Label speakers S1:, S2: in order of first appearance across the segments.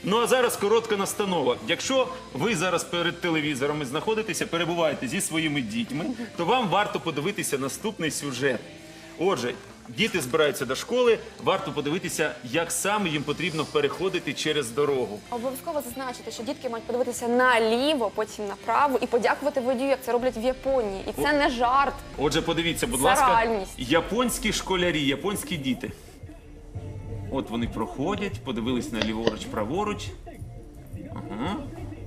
S1: Ну а зараз коротка настанова. Якщо ви зараз перед телевізорами знаходитеся, перебуваєте зі своїми дітьми, то вам варто подивитися наступний сюжет. Отже, діти збираються до школи, варто подивитися, як саме їм потрібно переходити через дорогу.
S2: Обов'язково зазначити, що дітки мають подивитися наліво, потім направо і подякувати водію, як це роблять в Японії. І це не жарт.
S1: Отже, подивіться, будь
S2: Це
S1: ласка,
S2: реальність.
S1: японські школярі, японські діти. От вони проходять, подивились на ліворуч, праворуч. Ага.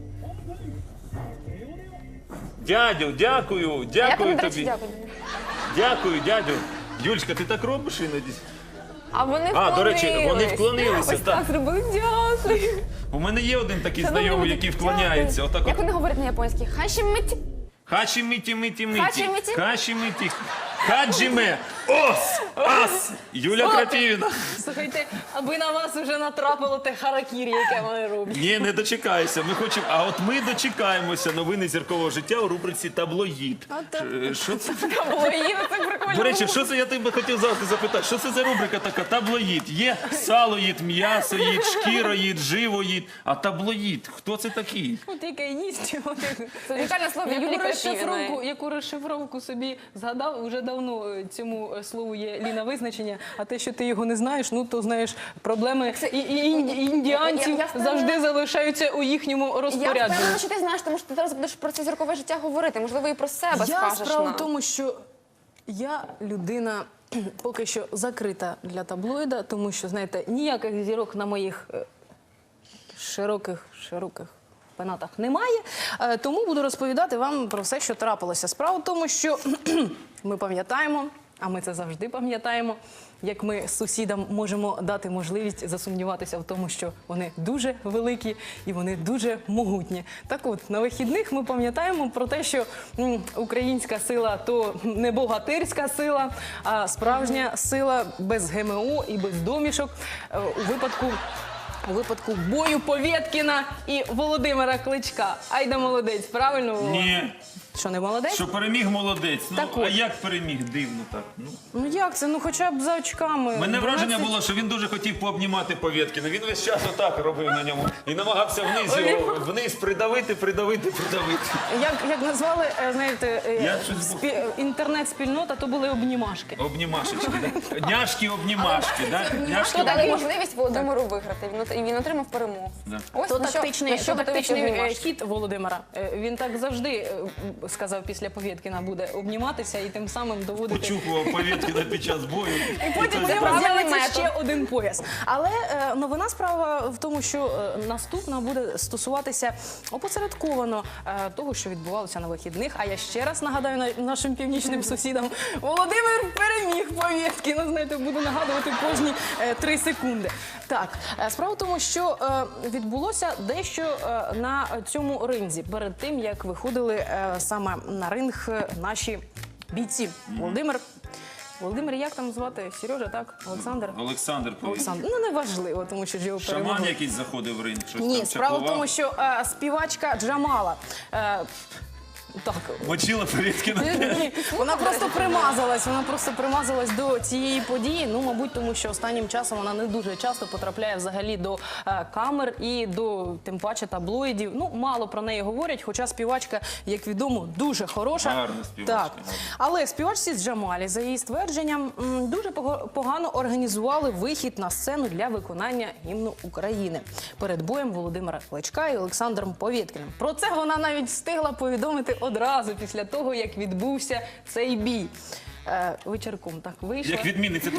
S1: Дядю, дякую,
S2: А як
S1: дякую
S2: вони, до речі,
S1: тобі.
S2: дякую?
S1: Дякую, дядю. Юльчка, ти так робиш іноді?
S2: А вони вклонились.
S1: А, до речі, вони вклонилися,
S2: Ось
S1: так.
S2: так зробили. Дякую.
S1: У мене є один такий
S2: Шановні
S1: знайомий,
S2: друзі,
S1: який вклоняється.
S2: дякую.
S1: Отак
S2: Як
S1: от.
S2: вони говорять на японській? Хашімиті.
S1: Хачі-миті-миті-миті.
S2: Хачі-миті?
S1: Хачі-миті. Хаджіме. Ос! Ас! Юля Крапівіна.
S3: Слухайте, аби на вас вже натрапило те харакірі, яке вони роблять.
S1: Ні, не дочекайся. Ми хочемо. А от ми дочекаємося новини зіркового життя у рубриці «Таблоїд». Що це?
S2: Таблоїд, це прикольно.
S1: До речі, що це я тебе хотів завжди запитати? Що це за рубрика така? Таблоїд. Є салоїд, м'ясоїд, шкіроїд, живоїд. А таблоїд, хто це такий?
S3: От яке їсть.
S2: Це унікальне слово Юлії Крапівіної.
S3: Яку розшифровку собі згадав, вже давно цьому слову є Ліна визначення, а те, що ти його не знаєш, ну то знаєш, проблеми індіанців
S2: Я впевнена-
S3: завжди залишаються у їхньому
S2: Я
S3: розпорядженні.
S2: впевнена, що ти знаєш, тому що ти зараз будеш про це зіркове життя говорити. Можливо, і про себе скажеш
S3: Справа
S2: нам.
S3: в тому, що я людина поки що закрита для таблоїда, тому що, знаєте, ніяких зірок на моїх широких пенатах немає. Тому буду розповідати вам про все, що трапилося. Справа в тому, що ми пам'ятаємо, а ми це завжди пам'ятаємо, як ми сусідам можемо дати можливість засумніватися в тому, що вони дуже великі і вони дуже могутні. Так от, на вихідних ми пам'ятаємо про те, що українська сила – то не богатирська сила, а справжня сила без ГМО і без домішок у випадку бою Повєткіна і Володимира Кличка. Айда молодець, правильно? Вова?
S1: Ні.
S3: Що, не молодець?
S1: Що переміг молодець. Ну,
S3: Так
S1: а
S3: от.
S1: як переміг? Дивно так.
S3: Ну як це? Ну хоча б за очками.
S1: Мене враження
S3: 12.
S1: було, що він дуже хотів пообнімати Повєткіна. Він весь час отак робив на ньому і намагався вниз придавити.
S3: Як назвали, знаєте,
S1: Я щось
S3: інтернет-спільнота, то були обнімашки.
S1: Обнімашечки, да? Няшки-обнімашки, да?
S2: Хто дали
S1: Няшки-обнімашки.
S2: можливість Володимиру виграти, і він отримав перемогу.
S1: Да.
S2: Ось
S3: То
S2: на що
S3: тактичний
S2: готові обнімашки.
S3: хід Володимира. Він так завжди сказав після Повєткіна буде обніматися і тим самим доводити.
S1: Почухував Повєткіна під час бою.
S3: І потім
S2: Це
S3: у нього
S2: правильний
S3: з'явиться
S2: метод.
S3: ще один пояс. Але новина справа в тому, що наступна буде стосуватися опосередковано того, що відбувалося на вихідних. А я ще раз нагадаю нашим північним сусідам, Володимир переміг Повєткіна. Знаєте, буду нагадувати кожні 3 секунди. Так, справа в тому, що відбулося дещо на цьому ринзі перед тим, як виходили саме на ринг наші бійці. Володимир, як там звати? Сережа, так? Олександр?
S1: Олександр Повєткін.
S3: Ну, неважливо, тому що ж його
S1: Шаман
S3: перемогли.
S1: якийсь заходив в ринг, щось
S3: Ні,
S1: там
S3: справа в
S1: чаклував.
S3: тому, що співачка Джамала. Так,
S1: Мочила Повєткіна.
S3: ні, вона просто примазалась до цієї події. Ну, мабуть, тому що останнім часом вона не дуже часто потрапляє взагалі до камер і до, тим паче, таблоїдів. Ну, мало про неї говорять, хоча співачка, як відомо, дуже хороша.
S1: Гарна співачка,
S3: Так.
S1: гарна.
S3: Але співачці з Джамалі, за її ствердженням, дуже погано організували вихід на сцену для виконання гімну України перед боєм Володимира Кличка і Олександром Повєткіним. Про це вона навіть встигла повідомити одразу після того, як відбувся цей бій. Вечірком так вийшла.
S1: Як відмінниця.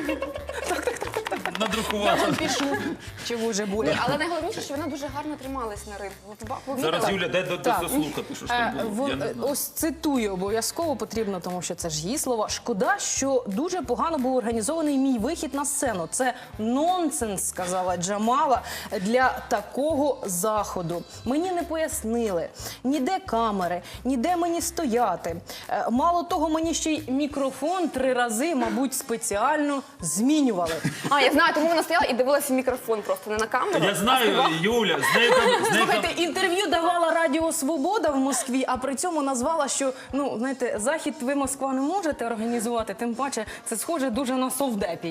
S1: Надрукувала.
S3: Пішло. Чого вже болі.
S2: Ні, але найголовніше, що вона дуже гарно трималась на рингу.
S1: Зараз, Юля, дай
S3: Так.
S1: дослухати, що ж там було. Я не знаю.
S3: Ось цитую обов'язково потрібно, тому що це ж її слова. Шкода, що дуже погано був організований мій вихід на сцену. Це нонсенс, сказала Джамала, для такого заходу. Мені не пояснили, ніде камери, ніде мені стояти. Мало того, мені ще й мікрофон 3 рази, мабуть, спеціально змінювали.
S2: А, я знаю, тому вона стояла і дивилася в мікрофон просто, не на камеру.
S1: Я знаю, Юля, з нею
S3: Слухайте, інтерв'ю давала Радіо Свобода в Москві, а при цьому назвала, що, ну, знаєте, захід ви, Москва, не можете організувати, тим паче це схоже дуже на совдепію.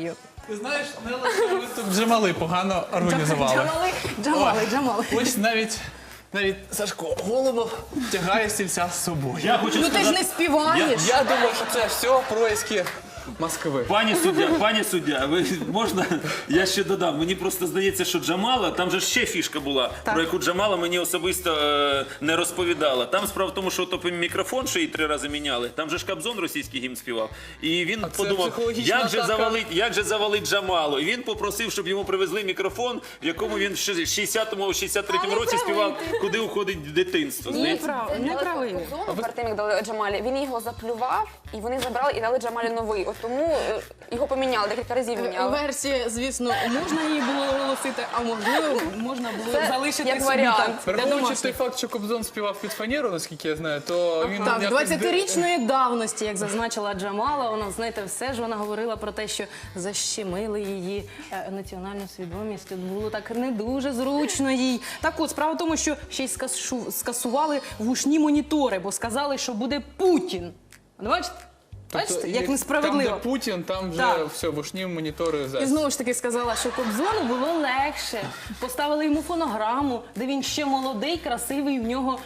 S4: Ти знаєш, Нелла, ви тут Джамали погано організували.
S3: Джамали.
S4: Ось навіть Сашко Голубов тягає стільця з собою.
S1: Я хочу
S3: Ну ти ж
S1: сказати,
S3: не співаєш.
S4: Я думаю, що це все происки Москви.
S1: пані суддя, ви можна, я ще додам. Мені просто здається, що Джамала, там же ще фішка була, про яку Джамала мені особисто не розповідала. Там справа в тому, що то мікрофон, що її 3 рази міняли, там же ж Кобзон російський гімн співав. І він
S4: це
S1: подумав,
S4: психологічна
S1: як же завалить Джамалу. І він попросив, щоб йому привезли мікрофон, в якому він в 63-му році співав «Куди уходить дитинство». Здається,
S3: Не правий.
S2: Перед тим, як дали Джамалі, він його заплював, і вони забрали і дали Джамалі новий. От тому його поміняли, декілька разів міняли.
S3: Версії, звісно, можна її було оголосити, а можливо, можна було
S2: Це
S3: залишити
S2: як
S3: собі
S2: варіант.
S3: так. Для
S4: Враховуючи той
S3: домашніх.
S4: факт, що Кобзон співав під фанеру, наскільки я знаю, то він
S3: Так,
S4: якось
S3: 20-річної давності, як зазначила Джамала, вона, знаєте, все ж вона говорила про те, що защемили її національну свідомість. Тут було так не дуже зручно їй. Так от, справа в тому, що ще й скасували вушні монітори, бо сказали, що буде Путін. Ну, бачите? Бачите, як несправедливо.
S4: Там, де Путін, там вже
S3: Так.
S4: все, вушні монітори
S3: І
S4: зараз.
S3: знову ж таки сказала, що Кобзону було легше. Поставили йому фонограму, де він ще молодий, красивий, в нього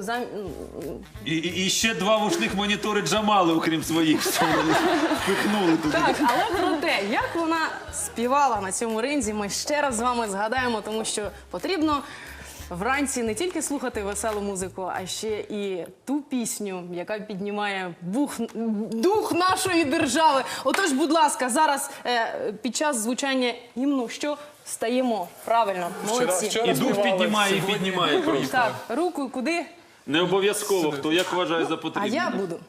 S1: І ще 2 вушних монітори Джамали, окрім своїх, що вони впихнули туди.
S3: Так, але про те, як вона співала на цьому ринзі, ми ще раз з вами згадаємо, тому що потрібно вранці не тільки слухати веселу музику, а ще і ту пісню, яка піднімає дух нашої держави. Отож, будь ласка, зараз під час звучання гімну, що стаємо? Правильно, молодці.
S4: Вчора
S1: І дух
S4: співали,
S1: піднімає, і
S4: сьогодні
S1: піднімає просто.
S3: Так, руку куди?
S1: Не обов'язково, хто як вважає за
S3: А
S1: потрібне.
S3: я буду.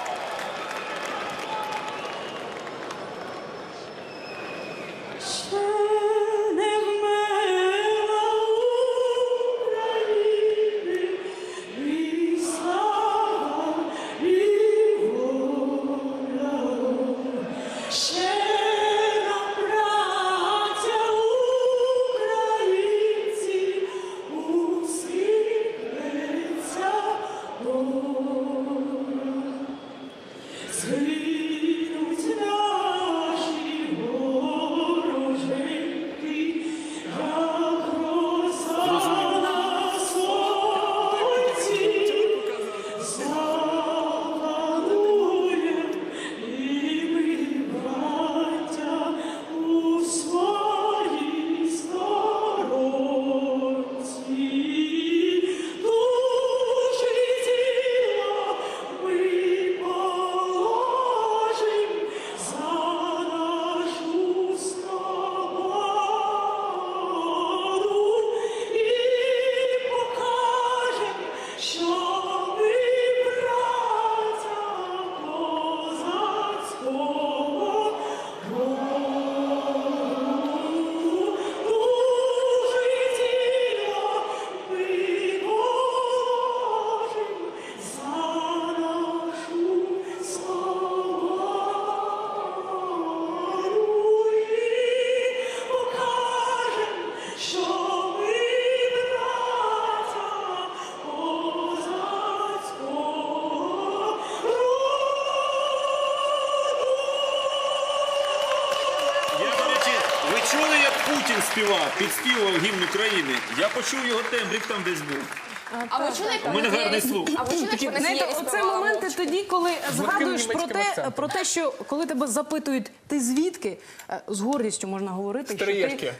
S1: Співав, підспівував гімн України. Я почув його тембрик там десь був.
S2: А ви чули, як
S1: У мене гарний слух.
S2: А ви чули, як вони
S3: Знаєте,
S2: сіє і
S3: оце
S2: співали
S3: моменти
S2: мовчки?
S3: тоді, коли згадуєш
S4: німецьким акцентом.
S3: про те, що коли тебе запитують, ти звідки, з гордістю можна говорити, що ти
S4: Троєшки.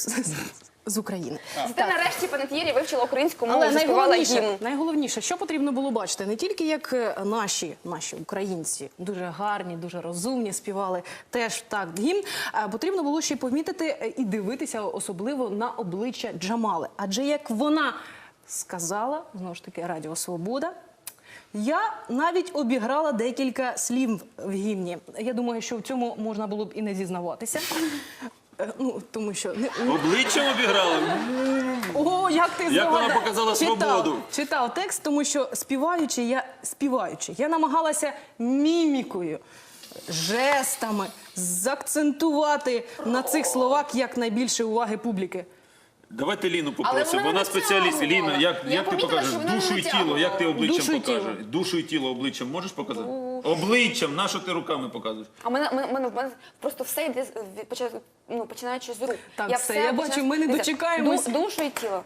S3: з України.
S2: Ти нарешті, пане Т'єрі, вивчила українську мову,
S3: Але
S2: заспівала гімн.
S3: найголовніше, що потрібно було бачити, не тільки як наші українці, дуже гарні, дуже розумні, співали теж так гімн, а потрібно було ще й помітити і дивитися особливо на обличчя Джамали. Адже як вона сказала, знову ж таки, Радіо Свобода, я навіть обіграла декілька слів в гімні. Я думаю, що в цьому можна було б і не зізнаватися. Ну, тому що...
S1: Обличчям обіграли.
S3: О, як ти
S1: Як вона показала свободу.
S3: Читав текст, тому що співаючи, я намагалася мімікою, жестами заакцентувати на цих словах якнайбільше уваги публіки.
S1: Давайте Ліну
S2: Але
S1: попросимо,
S2: вона
S1: вона
S2: не
S1: спеціаліст.
S2: натягувала.
S1: Ліна, як
S2: Я
S1: ти
S2: помітила,
S1: покажеш?
S2: що вона не
S1: Душу і тіло,
S2: натягувала.
S1: як ти обличчям
S3: Душу і тіло.
S1: покажеш? Душу і тіло обличчям можеш показати? Обличчям, на що ти руками показуєш?
S2: А в мене просто все йде, починаючи з рук.
S3: Так,
S2: Я
S3: все, я бачу,
S2: починаю-
S3: ми не
S2: Дивіться,
S3: дочекаємось.
S2: Душу і тіло.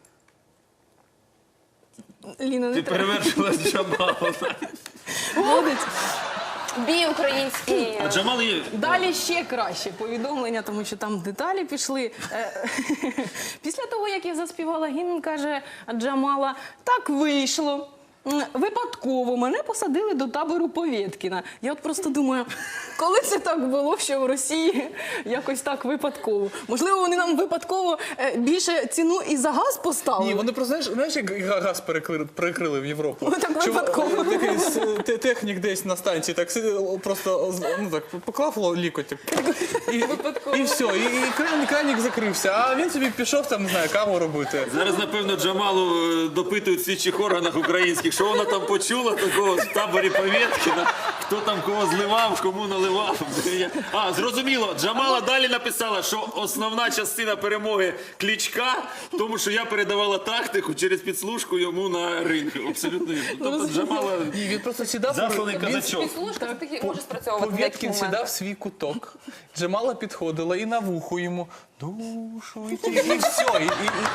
S3: Ліна, не
S1: Ти
S3: треба.
S1: перевершила Джамала.
S3: Молодець.
S2: Бій український.
S1: А Джамал є...
S3: Далі ще краще повідомлення, тому що там деталі пішли. Після того, як я заспівала гімн, каже Джамала, так вийшло. Випадково мене посадили до табору Повєткіна. Я от просто думаю, коли це так було, що в Росії якось так випадково? Можливо, вони нам випадково більше ціну і за газ поставили?
S4: Ні, вони просто, знаєш, як газ перекрили в Європу.
S3: Ну, так випадково.
S4: Такий технік десь на станції так сидів, просто поклав лікоть. І все, і кранік закрився, а він собі пішов там, не знаю, каву робити.
S1: Зараз, напевно, Джамалу допитують в слідчих органах українських, що вона там почула такого в таборі Повєткіна, хто там кого зливав, кому наливав. А, зрозуміло, Джамала далі написала, що основна частина перемоги Кличка в тому, що я передавала тактику через підслужку йому на ринг. Абсолютно вірно. Тобто Джамала
S4: Ні, він просто сідав.
S1: засланий казачок.
S2: Підслужка таки може спрацьовувати в деяких
S4: Повєткін сідав в
S2: моментах.
S4: свій куток, Джамала підходила і на вухо йому душу і все.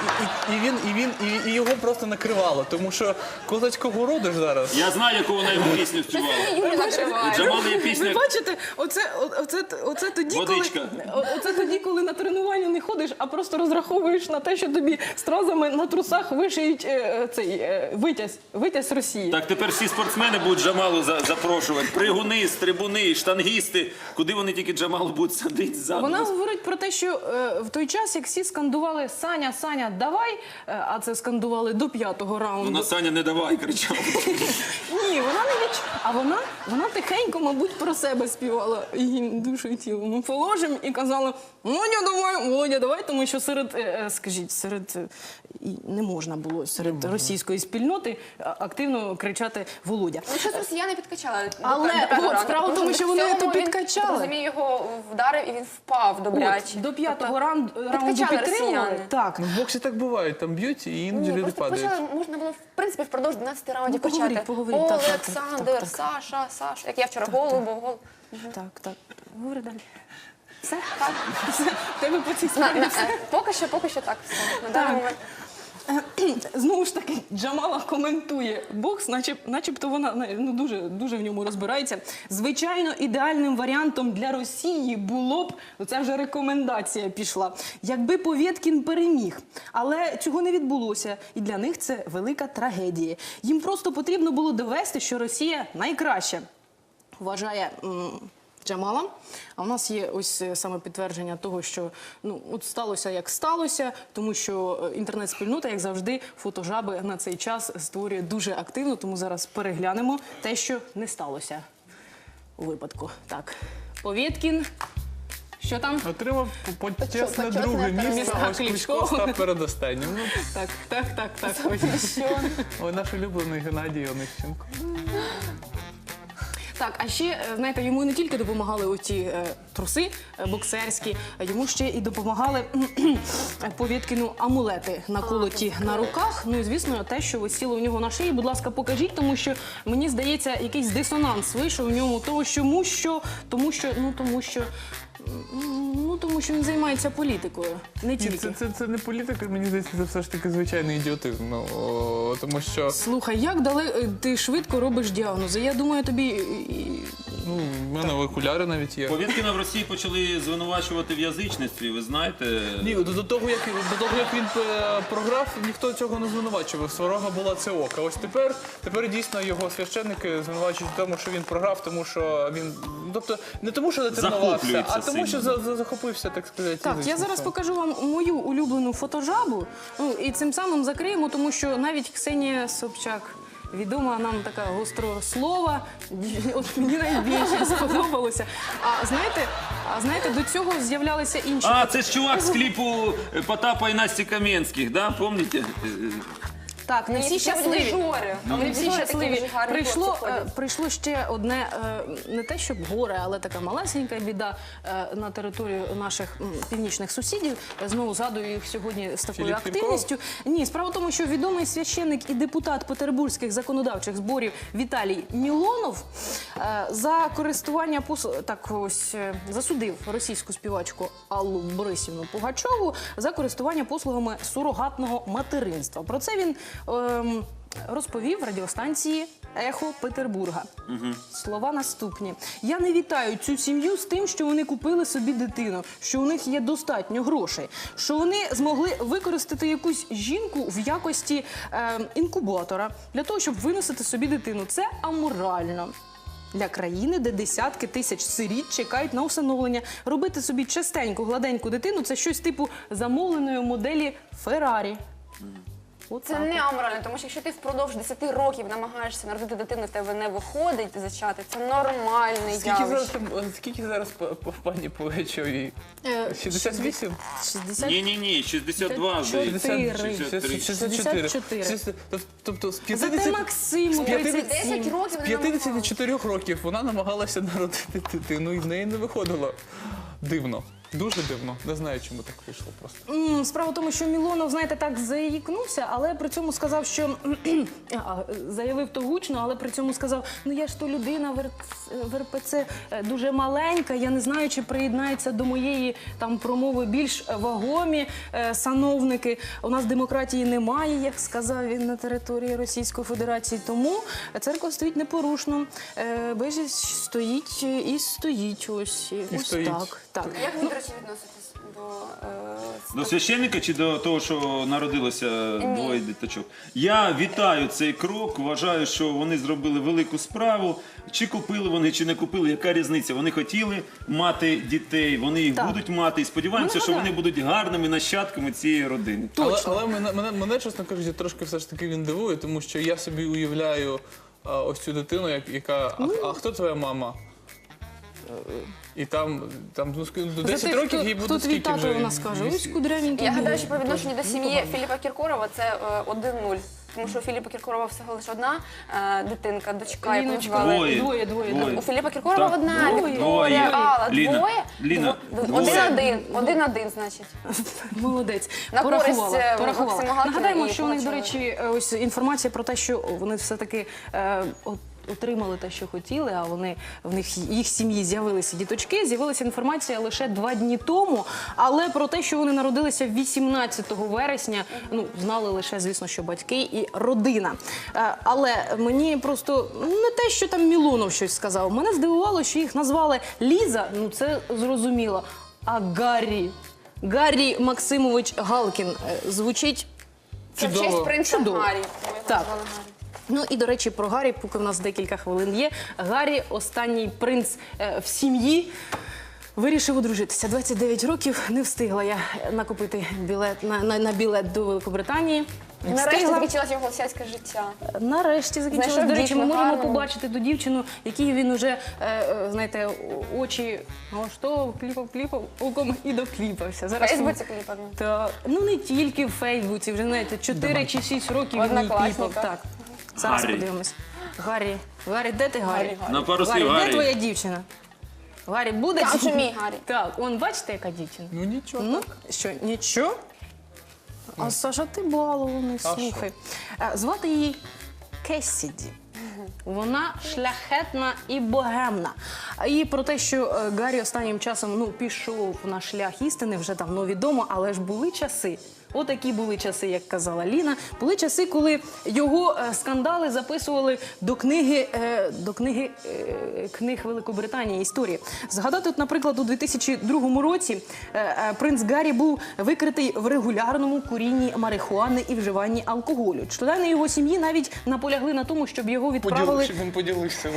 S4: І його просто накривало, тому що козацького роду ж зараз.
S1: Я знаю, яку вона йому пісню співала.
S2: Юлі накриває.
S1: У Джамали є
S3: Ви
S1: пісня.
S3: бачите, оце тоді,
S1: Водичка.
S3: оце тоді, коли на тренування не ходиш, а просто розраховуєш на те, що тобі стразами на трусах вишиють витязь Росії.
S1: Так, тепер всі спортсмени будуть Джамалу запрошувати. Пригуни, стрибуни, штангісти. Куди вони тільки Джамалу будуть садити ззаду.
S3: Вона говорить про те, що в той час, як всі скандували «Саня, Саня, давай», а це скандували до 5-го раунду.
S1: Вона Саня не давай, кричала.
S3: Ні, вона не а вона тихенько, мабуть, про себе співала гімн душу і тіло. Ми положимо і казала Володя, давай, тому що не можна було серед російської спільноти активно кричати Володя.
S2: Ну, щось росіяни підкачали.
S3: Але справа в тому, що вони то підкачали.
S2: Розумію, його вдарив і він впав добряче.
S3: До 5-го раунду
S2: підкачали
S3: підтримували.
S2: росіяни.
S3: Так.
S4: Ну, в боксі так буває, там б'ють і іноді люди
S2: Просто
S4: падають.
S2: почали, можна було, в принципі, впродовж 12 раундів
S3: Ну,
S2: почати.
S3: поговоріть, так, так,
S2: Олександр,
S3: так.
S2: Саша, як я вчора голубов.
S3: Так. Говори далі. Все? Так. Все. Тебе по цій справі все.
S2: Поки що так. Все. На даний момент.
S3: Знову ж таки, Джамала коментує бокс, начебто вона дуже в ньому розбирається. Звичайно, ідеальним варіантом для Росії було б, це вже рекомендація пішла, якби Повєткін переміг. Але цього не відбулося, і для них це велика трагедія. Їм просто потрібно було довести, що Росія найкраща, вважає Джамала. А в нас є ось саме підтвердження того, що от сталося, як сталося, тому що інтернет-спільнота, як завжди, фотожаби на цей час створює дуже активно, тому зараз переглянемо те, що не сталося у випадку. Так, Повєткін, що там?
S4: Отримав почесне
S2: почесне
S4: друге місце,
S3: місце.
S4: а ось Кличко став передостаннім. Ну,
S3: Так.
S4: ой, наш улюблений Геннадій Онищенко.
S3: Так, а ще, знаєте, йому не тільки допомагали оті труси боксерські, а йому ще і допомагали Повєткіну амулети наколоті на руках. Ну і, звісно, те, що висіло у нього на шиї. Будь ласка, покажіть, тому що, мені здається, якийсь дисонанс вийшов у ньому, тому що він займається політикою, не
S4: Ні,
S3: тільки.
S4: це не політика, мені здається, це все ж таки звичайний ідіотизм. Ну, тому що
S3: Слухай, як ти швидко робиш діагнози? Я думаю, тобі...
S4: в мене окуляри навіть є.
S1: Повєткіна в Росії почали звинувачувати в язичництві, ви знаєте.
S4: Ні, до того, як він програв, ніхто цього не звинувачував. Сварога була це ока. Ось тепер дійсно його священники звинувачують в тому, що він програв, тому що він... Тобто не тому, що не тренувався,
S1: Захоплюється
S4: а тому, що
S1: сильно.
S4: захопився, так сказати.
S3: Так, я зараз
S4: язичництвом.
S3: покажу вам мою улюблену фотожабу, і цим самим закриємо, тому що навіть Ксенія Собчак, відома нам така гострослова, от мені найбільше сподобалося. А знаєте, до цього з'являлися інші.
S1: А, це ж чувак з кліпу Потапа і Насті Кам'янських, да? Помните?
S3: Так, не
S2: Ні,
S3: всі
S2: це
S3: щасливі.
S2: дирижери.
S3: Не всі
S2: Дирижери такі
S3: щасливі.
S2: дуже гарні
S3: Прийшло,
S2: хлопці ходять.
S3: прийшло ще одне, не те, щоб горе, але така малесенька біда на територію наших північних сусідів. Знову згадую їх сьогодні з такою
S4: Філіп
S3: активністю. Ні, справа в тому, що відомий священник і депутат петербурзьких законодавчих зборів Віталій Мілонов за користування засудив російську співачку Аллу Борисівну Пугачову за користування послугами сурогатного материнства. Про це він розповів радіостанції «Ехо Петербурга». Слова наступні. «Я не вітаю цю сім'ю з тим, що вони купили собі дитину, що у них є достатньо грошей, що вони змогли використати якусь жінку в якості інкубатора для того, щоб виносити собі дитину. Це аморально. Для країни, де десятки тисяч сиріт чекають на усиновлення. Робити собі частеньку, гладеньку дитину – це щось типу замовленої моделі Феррарі».
S2: Це не аморально, тому що якщо ти впродовж 10 років намагаєшся народити дитину, в тебе не виходить зачати, це нормальне явище.
S4: Скільки зараз по пані Пугачовій? 68?
S3: 60...
S1: Ні, 62, здається.
S3: 64.
S4: 64. Тобто з
S3: Зате
S4: 50...
S3: Максиму
S2: 10
S3: 37.
S2: років
S4: З
S2: вони намагалися.
S4: 54 років вона намагалася народити дитину, і в неї не виходило. Дивно. Дуже дивно. Не знаю, чому так вийшло просто.
S3: Справа в тому, що Мілонов, знаєте, так заїкнувся, але при цьому сказав, що заявив то гучно, але при цьому сказав, ну я ж то людина в РПЦ дуже маленька, я не знаю, чи приєднаються до моєї там промови більш вагомі сановники. У нас демократії немає, як сказав він, на території Російської Федерації, тому церква стоїть непорушно. Бежість стоїть і стоїть ось
S4: стоїть.
S3: так.
S2: Як ви, до речі, відноситесь до
S1: До священника чи до того, що народилося двоє діточок? Я вітаю цей крок, вважаю, що вони зробили велику справу. Чи купили вони, чи не купили, яка різниця? Вони хотіли мати дітей, вони їх
S3: Так.
S1: будуть мати. І сподіваємося, що вони будуть гарними нащадками цієї родини.
S4: Але мене, чесно кажучи, трошки все ж таки він дивує, тому що я собі уявляю ось цю дитину, яка... А хто твоя мама? І там ну, до 10 років їй буде
S3: Хто твій
S4: скільки
S3: тато,
S4: вже?
S3: вона скаже, ось кудрявенький.
S2: Я
S3: був.
S2: гадаю, що по відношенню до сім'ї Філіпа Кіркорова це 1-0. Тому що у Філіпа Кіркорова всього лише одна дитинка, дочка, яку
S3: Ліночка,
S2: звали.
S1: Двоє.
S3: Двоє.
S2: У Філіпа Кіркорова
S1: Так.
S2: одна
S3: Двоє.
S2: Вікторія, Алла.
S1: Ліна,
S2: Двоє?
S1: Ліна,
S2: Один-один. Один-один, значить.
S3: Молодець.
S2: На
S3: Порахувала.
S2: користь,
S3: порахувала.
S2: Максима Галкіна
S3: Нагадаємо,
S2: і
S3: що у них, до
S2: Пугачової.
S3: речі, ось інформація про те, що вони все-таки отримали те, що хотіли, а в них їх сім'ї з'явилися діточки. З'явилася інформація лише 2 дні тому, але про те, що вони народилися 18 вересня, ну, знали лише, звісно, що батьки і родина. Але мені просто не те, що там Мілонов щось сказав. Мене здивувало, що їх назвали Ліза, ну це зрозуміло, а Гаррі. Гаррі Максимович Галкін звучить.
S2: Це в
S4: Чудово.
S2: честь принца
S3: Чудово.
S2: Гаррі. Ми його
S3: Так.
S2: назвали Гаррі.
S3: Ну і, до речі, про Гаррі, поки в нас декілька хвилин є. Гаррі, останній принц в сім'ї, вирішив одружитися. 29 років, не встигла я накупити білет, на білет до Великобританії. Не
S2: Нарешті
S3: встигла.
S2: закінчилось його сільське життя.
S3: Нарешті закінчилось.
S2: Знайшов
S3: До речі, ми
S2: дівчину
S3: можемо
S2: гарну.
S3: побачити ту дівчину, якій він уже, знаєте, очі, що кліпав, оком і докліпався.
S2: В
S3: Зараз
S2: Фейсбуці кліпав.
S3: та, ну не тільки в Фейсбуці, вже знаєте, 4 чи 6 років він їй
S2: Однокласника.
S3: кліпав. Так. Зараз
S1: Гаррі.
S3: подивимось. Гаррі, де ти, Гаррі?
S2: Гаррі.
S1: На пару слів,
S3: Де
S1: Гаррі.
S3: твоя дівчина? Гаррі, буде?
S2: Я що мій Гаррі.
S3: Так, он, бачите, яка дівчина?
S4: Ну нічого.
S3: Ну, що, нічого? А Саша, ти балований, слухай. Звати її Кесіді. Вона шляхетна і богемна. І про те, що Гаррі останнім часом пішов на шлях істини, вже давно відомо, але ж були часи. Отакі були часи, як казала Ліна. Були часи, коли його скандали записували до книги Великобританії історії. Згадати, от, наприклад, у 2002 році принц Гаррі був викритий в регулярному курінні марихуани і вживанні алкоголю. Члени його сім'ї навіть наполягли на тому, щоб його відправили
S4: Щоб він поділився.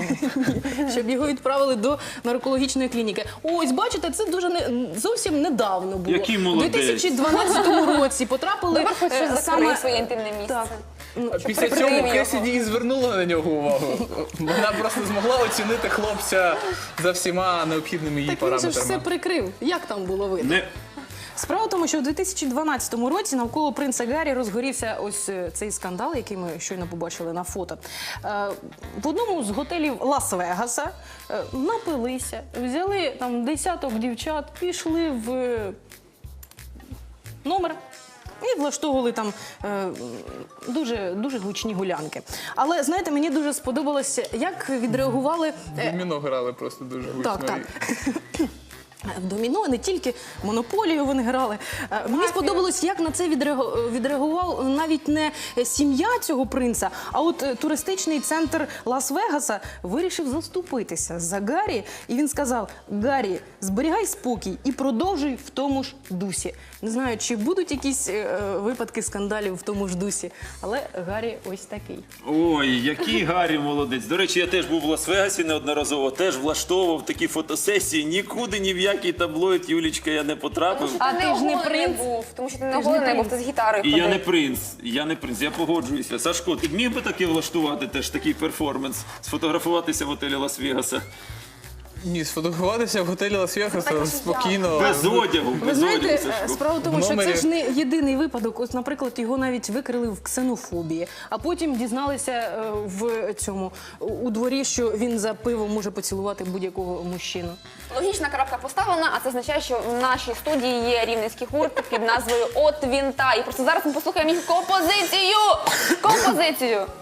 S3: до наркологічної клініки. Ось, бачите, це зовсім недавно було.
S1: Який
S3: У
S1: молодець.
S3: 2012 році потрапили
S2: Добре, хоч щось закрив
S3: саме...
S2: своє інтимне місце.
S3: Так.
S4: Після
S2: прикрив
S4: цього
S2: його.
S4: Кесіді і звернула на нього увагу. Вона просто змогла оцінити хлопця за всіма необхідними її
S3: Так він же ж
S4: параметрами.
S3: все прикрив. Як там було видно? Справа в тому, що у 2012 році навколо принца Гаррі розгорівся ось цей скандал, який ми щойно побачили на фото. В одному з готелів Лас-Вегаса напилися, взяли там десяток дівчат, пішли в номер і влаштовували там дуже гучні гулянки. Але, знаєте, мені дуже сподобалося, як відреагували...
S4: Доміно грали просто дуже гучно.
S3: Так. В доміно, не тільки монополію вони грали. Мені сподобалось, як на це відреагував навіть не сім'я цього принца, а от туристичний центр Лас-Вегаса вирішив заступитися за Гаррі. І він сказав: Гаррі, зберігай спокій і продовжуй в тому ж дусі. Не знаю, чи будуть якісь випадки скандалів в тому ж дусі, але Гаррі ось такий.
S1: Ой, який Гаррі молодець. До речі, я теж був в Лас-Вегасі неодноразово, теж влаштовував такі фотосесії. Нікуди, ні в який таблоїд, Юлічка, я не потрапив.
S3: А ти ж не
S2: оголений
S3: принц?
S2: був, тому що ти не оголений був, ти з гітарою
S1: І
S2: ходив.
S1: я не принц, я погоджуюся. Сашко, ти міг би таки влаштувати теж такий перформанс, сфотографуватися в готелі Лас-Вегаса?
S4: Ні, сфотографуватися в готелі Лас-Вегаса
S2: Так,
S4: спокійно.
S1: Без одягу,
S3: Ви
S1: без
S3: знаєте,
S1: одягу, Сашко.
S3: справа в тому,
S4: В
S3: що
S4: номері-
S3: це ж не єдиний випадок. Ось, наприклад, його навіть викрили в ксенофобії, а потім дізналися у дворі, що він за пивом може поцілувати будь-якого мужчину.
S2: Логічна крапка поставлена, а це означає, що в нашій студії є рівненський гурт під назвою «От він та». І просто зараз ми послухаємо їх композицію! Композицію!